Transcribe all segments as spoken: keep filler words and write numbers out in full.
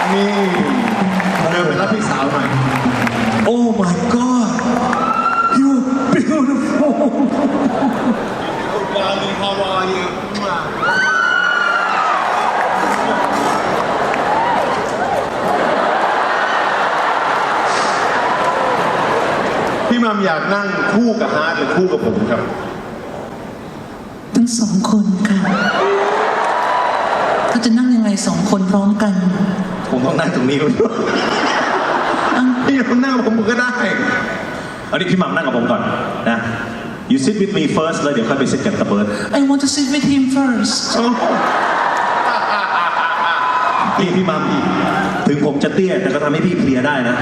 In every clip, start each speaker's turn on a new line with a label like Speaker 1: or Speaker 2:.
Speaker 1: นี่เดินไปรับพี่สาวหน่อย
Speaker 2: Oh my God you're beautiful
Speaker 1: Darling how are you พี่มัมอยากนั่งคู่กับฮาร์ดหรือคู่กับผมครับ
Speaker 3: ทั้งสองคนค่ะเขาจะนั่งยังไงสองคนพร้อมกัน
Speaker 2: ผมต้องนั่งตรงนี้คุณ
Speaker 1: พี่ต้องนั่งผมก็ได้
Speaker 2: เอาดิพี่มัมนั่งกับผมก่อนนะ You sit with me first แล้วเดี๋ยวค่อยไป sit กับตะเบิร์ด
Speaker 3: I want to sit with him first
Speaker 2: พี่พี่มัมถึงผมจะเตี้ยแต่ก็ทำให้พี่เพลียได้นะ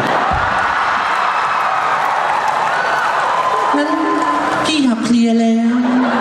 Speaker 3: งั้นพี่อยากเพลียแล้ว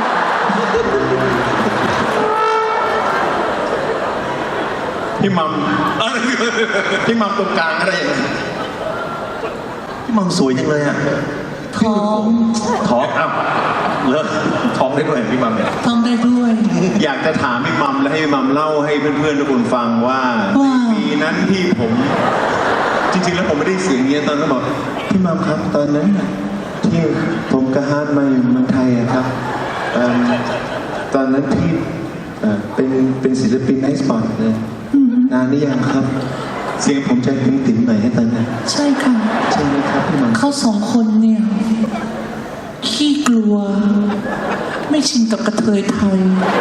Speaker 1: พี่มัมพี่มัมตรงกลางอะไรอย่างเงี้ย
Speaker 2: พี่มัมสวยจังเลยอ่ะ
Speaker 3: ท้อง
Speaker 2: ท้องอ้าวเลิกท้องได้ด้วยพี่มัมเนี่ย
Speaker 3: ท้องได้ด้วย
Speaker 1: อยากจะถามพี่มัมและให้พี่มัมเล่าให้เพื่อนๆทุกคนฟังว่าปีนั้นที่ผมจริงๆแล้วผมไม่ได้เสียงเงี้ยตอนนั้นบอกพี่มัมครับตอนนั้นที่ผมกับฮาร์ดมาอยู่เมืองไทยครับตอนนั้นที่เป็นเป็นศิลปินไอซ์บอลเลยนานหรือยังครับเสียงผมจะติ้มติ้มหน่อยให้ตอนนั้น
Speaker 3: ใช่ค่ะ
Speaker 1: ใช่ไหมครับพี่มัม
Speaker 3: เขาสองคนเนี่ยขี้กลัวไม่ชินกับกระเทยไทย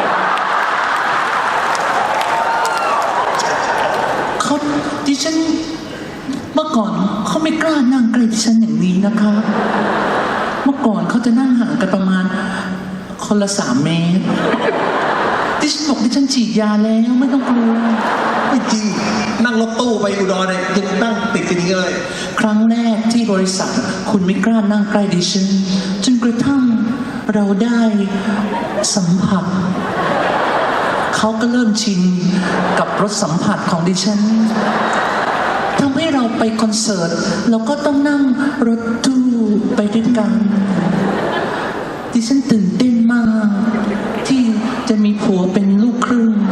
Speaker 3: เขาดิฉันเมื่อก่อนเขาไม่กล้านั่งใกล้ดิฉันอย่างนี้นะคะเมื่อก่อนเขาจะนั่งห่างกันประมาณคนละสามเมตรดิฉันบอกดิฉันฉีดยาแล้วไม่ต้องกลัว
Speaker 2: ไม่จริงนั่งรถตู้ไปอุดรเนี่ยยังนั่งติดกันอย่างนี้เลย
Speaker 3: ครั้งแรกที่บริษัทคุณไม่กล้านั่งใกล้ดิฉันจนกระทั่งเราได้สัมผัสเขาก็เริ่มชินกับรสสัมผัสของดิฉันทำให้เราไปคอนเสิร์ตเราก็ต้องนั่งรถตู้ไปด้วยกันดิฉันตื่นเต้นมากที่จะมีผัวเป็นลูกครึ่ง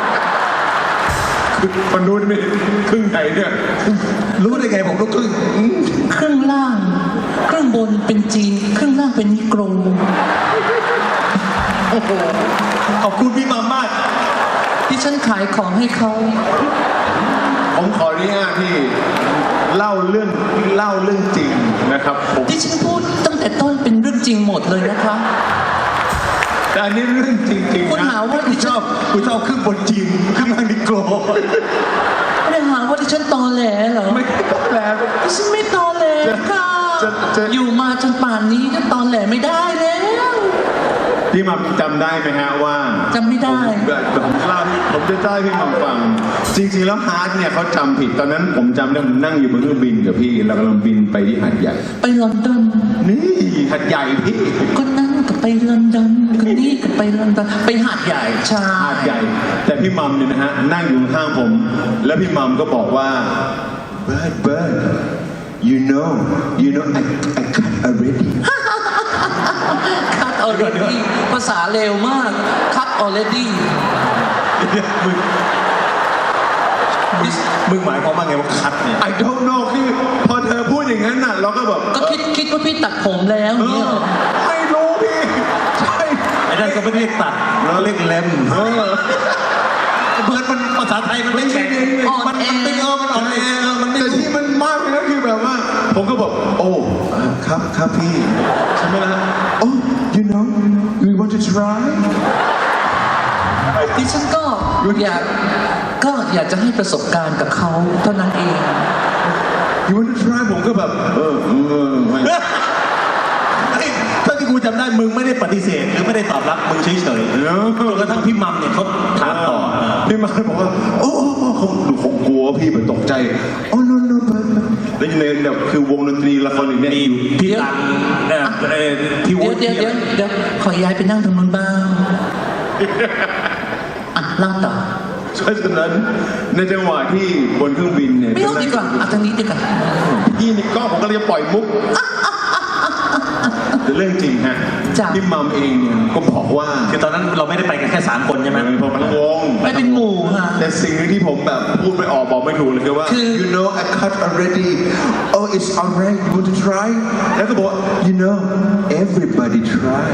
Speaker 1: คนนู้นไม่ครึ่งไหนเนี่ย
Speaker 2: รู้ได้ไงผมลูกครึ่ง
Speaker 3: ครึ่งล่างครึ่งบนเป็นจีนครึ่งล่างเป็นนิโกร
Speaker 2: โอ้โหขอบคุณพี่มัมมาก
Speaker 3: ที่ฉันขายของให้เขา
Speaker 1: ผมขออนุญาตที่เล่าเรื่องเล่าเรื่องจริงนะครับ
Speaker 3: ที่ฉันพูดตั้งแต่ต้นเป็นเรื่องจริงหมดเลยนะคะ
Speaker 1: แต่อันนี้เรื่องจริงๆ
Speaker 3: คุณหาว่า
Speaker 1: คุณชอบคุณชอบครึ่งบนจริงครึ่งล่างนิโกร
Speaker 3: ไม่ได้หาว่าที่ฉันตอแหลเหรอ
Speaker 1: ไม่ตอแหล
Speaker 3: ที่ฉันไม่ตอแหลค่ะอยู่มาจนป่านนี้ก็ตอแหลไม่ได้แล้ว
Speaker 1: พี่มัมจำได้ไหมฮะว่า
Speaker 3: จำไม่ได้
Speaker 1: ผมเล่าผมจะเล่าให้พี่มัมฟังจริงๆแล้วฮาร์ดเนี่ยเขาจำผิดตอนนั้นผมจำได้ผมนั่งอยู่บนเครื่องบินกับพี่เรากำลังบินไปที่หาดใหญ่
Speaker 3: ไปลอนดอน
Speaker 1: นี่หาดใหญ่พี่
Speaker 3: คนนั้นก็ไปลอนดอนคนนี้ก็ไปลอนดอนไปหาดใหญ่ใช่
Speaker 1: หาดใหญ่แต่พี่มัมเนี่ยนะฮะนั่งอยู่ข้างผมแล้วพี่มัมก็บอกว่า Bird Bird you know you know I I cut already
Speaker 3: cut already ภาษาเร็วมาก cut already
Speaker 2: มึงมึงหมายความว่าไงว่าคัดเนี่ย
Speaker 1: I don't know คือพอเธอพูดอย่างนั้นน่ะเราก็แบบ
Speaker 3: ก็คิดคิดว่าพี่ตัดผมแล้วเนี่ย
Speaker 1: ไม่รู้พี่ใช่
Speaker 2: ไอ้นั่นก็ไม่เรียกตัดเราเรียกเล็มเออเบิร์ดมันภาษาไทยมันไม่แข็งมันมันตึงเออมันอ่อนแอมัน
Speaker 1: แต่ที่มันมากเลยนะคือแบบว่าผมก็บอกโอ้ครับครับพี่ใช่ไหมล่ะโอ้ you know you want to try
Speaker 3: ดิฉันก็อยากก็อยากจะให้ประสบการณ์กับเขาเท่านั้นเอง
Speaker 1: you want to try ผมก็แบบเออเออไม่
Speaker 2: ถ้าที่กูจำได้มึงไม่ได้ปฏิเสธหรือไม่ได้ตอบรับมึงเฉยๆจนกระทั่งพี่มัมเนี่ยเขาถามต่อ
Speaker 1: พี่มัมบอกว่าโอ้เขาเขากลัวพี่มันตกใจโอ้ no no แล้วในแบบคือวงดนตรีละครอีกเนี่ย
Speaker 2: อยู่ที่หลัง
Speaker 3: ที่วงเดี๋ยวเดี๋ยวเดี๋ยวขอย้ายไปนั่งตรงนู้นบ้างอ่ะเล่าต่อ
Speaker 1: เพราะฉะนั้นในจังหวะที่บนเครื่องบินเนี่ย
Speaker 3: ไม่เอาดีกว่าเอาทางนี้ดีกว่า
Speaker 1: พี่นี่ก็ผมก็เลยปล่อยมุกแต่เรื่องจริงฮะ
Speaker 3: จ้ะ
Speaker 1: พี่มัมเองเนี่ยก็บอกว่า
Speaker 2: คือตอนนั้นเราไม่ได้ไปกันแค่สามคนใช่ไหม
Speaker 1: เป็นผมทั้งวง
Speaker 3: ไม่เป็นหมู่ค่ะ
Speaker 1: แต่สิ่งหนึงที่ผมแบบพูดไม่ออกบอกไม่ถูกเลยคือว่า
Speaker 3: คือ
Speaker 1: you know I cut already oh it's alright you want to try แล้วก็บอกว่า you know everybody try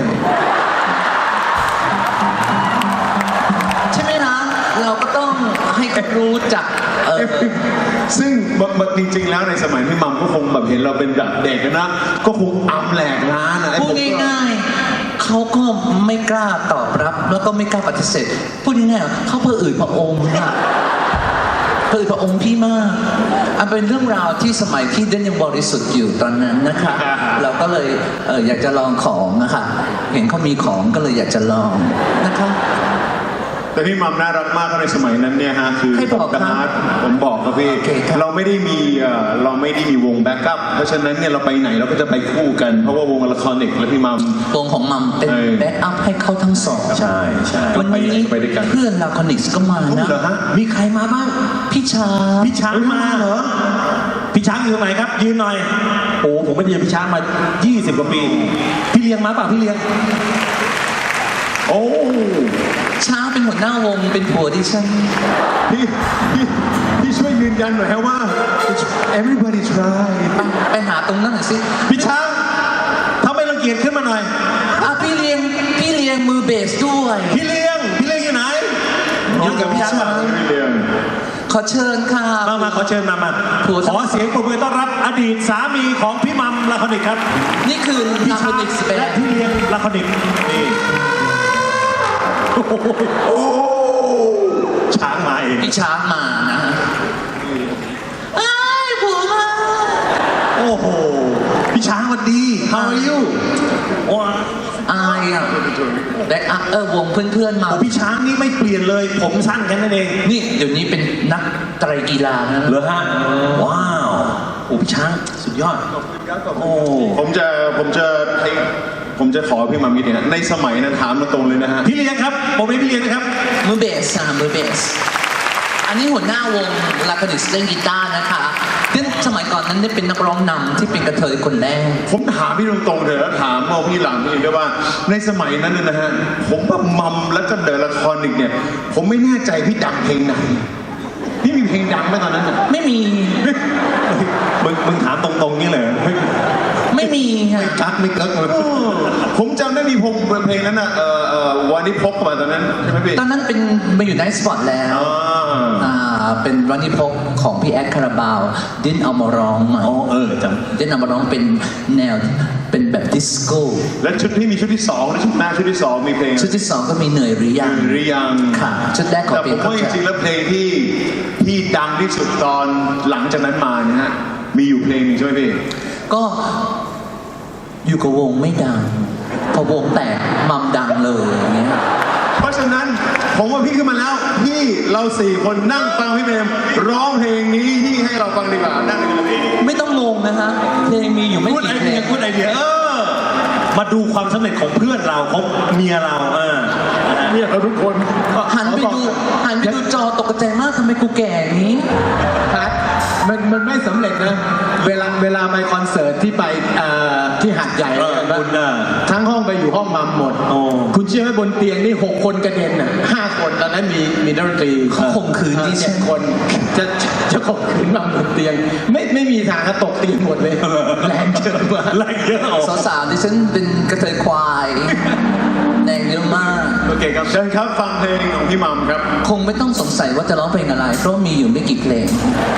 Speaker 3: ใช่ไหมนะเราก็ต้องให้เขารู้จักเออ
Speaker 1: ซึ่งบางจริงๆแล้วในสมัยพี่มัมก็คงแบบเห็นเราเป็นแบบเด็กนะก็คงอัมแหลกล้านอะไอ้
Speaker 3: พูด
Speaker 1: ผมก็
Speaker 3: ง่ายๆเขาก็ไม่กล้าตอบรับ แล้วก็ไม่กล้าปฏิเสธพูดง่ายๆเขาเพื่ออื่นพระองค์อะเพื่ออื่นพระองค์พี่มากอันเป็นเรื่องราวที่สมัยที่เดนยังบริสุทธิ์อยู่ตอนนั้นนะคะ เราก็เลยเอออยากจะลองของนะคะเห็นเขามีของก็เลยอยากจะลองนะคะ
Speaker 1: แต่พี่มัมน่ารักมากก็ในสมัยนั้นเนี่ยฮะคือ
Speaker 3: ให้บอก
Speaker 1: ผมกับ
Speaker 3: ครับ
Speaker 1: ฮาร์ดผมบอกครับพี่
Speaker 3: โอเคครับ
Speaker 1: เราไม่ได้มีเอ่อเราไม่ได้มีวงแบ็กอัพเพราะฉะนั้นเนี่ยเราไปไหนเราก็จะไปคู่กันเพราะว่าวงละครเด็กและพี่มัม
Speaker 3: วงของมัมเป็น
Speaker 1: เออ
Speaker 3: แบ็กอัพให้เขาทั้งสอง
Speaker 2: ใช่ใช่
Speaker 3: วันนี้
Speaker 1: ไปไหนก็ไปด้วยกัน
Speaker 3: เพื่อนลาคอนิกส์ก็มานะ
Speaker 1: เหรอฮะ
Speaker 2: มีใครมาบ้าง
Speaker 3: พี่ชา
Speaker 2: พี่ช้างมาเหรอ พี่ช้างอยู่ตรงไหนครับ ยืนหน่อย โอ้ผมไม่ได้เจอพี่ช้างมา ยี่สิบ กว่าปี พี่เลี้ยงมาเปล่าพี่เลี้ยง
Speaker 1: โอ้
Speaker 3: ช้างเป็นหัวหน้าวงเป็นผัวดิฉัน
Speaker 1: พี่พี่พี่ช่วยยืนยันหน่อยฮะว่า everybody try
Speaker 3: ไปไปหาตรงนั้นหน่อยสิ
Speaker 2: พี่ช้างถ้าไม่รังเกียจขึ้นมาหน่อย
Speaker 3: อ่ะพี่เลี้ยงพี่เลี้ยงมือเบสด้วย
Speaker 2: พี่เลี้ยง พี่เลี้ยงอยู่ไหนอยู่กับพี่ช้างเปล่า
Speaker 1: พี่เลี้ยง
Speaker 3: ขอเชิญค่ะ
Speaker 2: มามาขอเชิญมามา
Speaker 3: ผัว
Speaker 2: ขอเสียงปรบมือต้อนรับอดีตสามีของพี่มัมลาคอนิกครับ
Speaker 3: นี่คือ
Speaker 2: พี่
Speaker 3: ลาคอ
Speaker 2: ช้าง
Speaker 3: นิกส์เป็น
Speaker 2: และพี่เลี้ยงลาคอนิกนี่โอ้โห
Speaker 1: โอ้
Speaker 2: ช้างมาเอง
Speaker 3: พี่ช้างมานะไอ้ายผัวมา
Speaker 2: โอ้โห พี่ช้างสวัสดี How are you ว้า
Speaker 3: อายอ่ะแบ็กอัพเออวงเพื่อนๆมา
Speaker 2: โอ้พี่ช้างนี่ไม่เปลี่ยนเลย ผมสั้นแค่นั้นเอง
Speaker 3: นี่เดี๋ยวนี้เป็นนักไตรกีฬานะ
Speaker 2: เหรอฮะ ว้าว โอ้พี่ช้างสุดยอด โอ้
Speaker 1: ผมจะผมจะให้ผมจะขอพี่มัมนิดนึงนะในสมัยนั้นถามมาตรงเลยนะฮะ
Speaker 2: พี่เลี้ยงครับผมเป็นพี่เลี้ยงนะครับ
Speaker 3: มือเบสอ่ะมือเบส อันนี้หัวหน้าวงลาคอนิกส์เล่นกีตาร์นะคะซึ่งสมัยก่อนนั้นได้เป็นนักร้องนำที่เป็นกระเทยคนแรก
Speaker 1: ผมถามพี่ตรงๆเถอะแล้วถามเอาพี่หลังพี่ด้วยว่าในสมัยนั้นเนี่ยนะฮะผมกับมัมแล้วก็เดอะละครอีกเนี่ย ผมไม่แน่ใจพี่ดังเพลงไหนพี่มีเพลงดังไหมตอนนั้นน่ะ
Speaker 3: ไม่มี
Speaker 2: มึงมึงถามตรงๆนี่เลย
Speaker 3: ไม่มีค่ะ
Speaker 1: กักไม่กักเลยผมจำได้มีพงเพลงนั้นน่ะเอ่อเอ่อวันนี้พกมาตอนนั้นใช่ไหมพี่
Speaker 3: ตอนนั้นเป็นมาอยู่ในสปอตแล้ว
Speaker 1: อ่า
Speaker 3: อ่าเป็นวันนี้พกของพี่แอดคาราบาว ดิ้นเอามาร้องใหม่
Speaker 2: อ๋อเออจ
Speaker 3: ดิ้นเอามาร้องเป็นแนวเป็นแบบดิสโก้
Speaker 1: และชุดที่มีชุดที่สองและชุดหน้าชุดที่สองมีเพลง
Speaker 3: ชุดที่สองก็มีเหนื่อยหรือยัง
Speaker 1: หรือยัง
Speaker 3: ค่ะ ชุดแรกของ
Speaker 1: แต่
Speaker 3: เพ
Speaker 1: ผ
Speaker 3: ลง
Speaker 1: ม
Speaker 3: เขา
Speaker 1: ว่าจ
Speaker 3: จะ
Speaker 1: ริงๆแล้วเพลงที่ที่ดังที่สุดตอนหลังจากนั้นมาเนี่ยฮะมีอยู่เพลงหนึงใช่ไหมพี่
Speaker 3: ก็อยู่กับวงไม่ดัง พอวงแตกมัมดังเลยอย่างเงี้ย
Speaker 1: เพราะฉะนั้นผมว่าพี่ขึ้นมาแล้วพี่เราสี่คนนั่งฟังพี่เบมร้องเพลงนี้ที่ให้เราฟังดีกว่านั่งกันเลย
Speaker 3: ไม่ต้องงงนะฮะเพลงมีอยู่ไม่
Speaker 2: พูดไอ
Speaker 3: กี่เพล
Speaker 2: เดีย
Speaker 3: ง
Speaker 2: พูดไอเดียเออ มาดูความสำเร็จของเพื่อนเราของเมียเราเออ
Speaker 1: เนี่ยเราทุกคน
Speaker 3: หันไปดูหันไปดูจอตกใจมากทำไมกูแก่อย่างนี้
Speaker 4: ครับมันมันไม่สำเร็จนะ เวลาเวลาไปคอนเสิร์ตที่ไปเอ่อที่หาดใหญ่
Speaker 2: เออคุณน่ะ
Speaker 4: ทั้งห้องไปอยู่ห้องมัมหมด
Speaker 2: โอ้
Speaker 4: คุณเชื่อไหมบนเตียงนี่หกคนกระเด็นอ่ะห้าคนตอนนั้นมีมีนักดนตรี
Speaker 3: เขาข่มขืนดิฉั
Speaker 4: เจ็
Speaker 3: น
Speaker 4: ดคนจะจะจะข่มขืนมัมบนเตียง ไม่ไม่มีทางก็ตกเตียงหมดเลยแรงเกินมา
Speaker 2: แรงเยอะออก
Speaker 3: สาวๆดิฉันเป็นกระเทยควายแดงเยอะมาก
Speaker 1: โอเคครับเชิญครับฟังเพลงของพี่มัมครับ
Speaker 3: คงไม่ต้องสงสัยว่าจะร้องเพลงอะไร เพราะมีอยู่ไม่กี่เพลง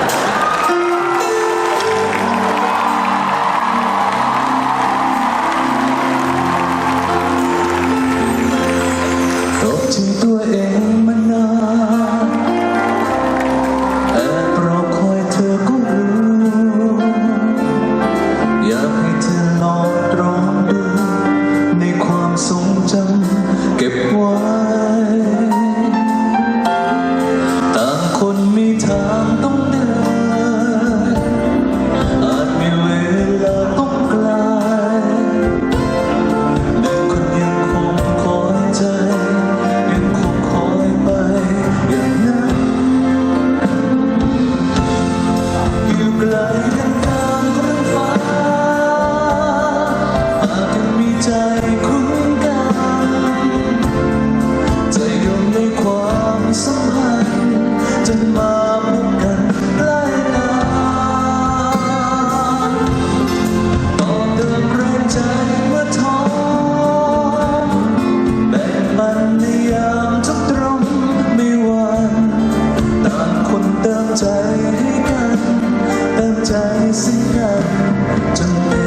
Speaker 3: ตกถึงตัวเองมานานแอบรอคอยเธอก็รู้อยากให้เธอลองตรองดูในความทรงจำเก็บไว้ต่างคนมีทางต้องเดินใจให้กันเติมใจซึ่งกันจนเป็น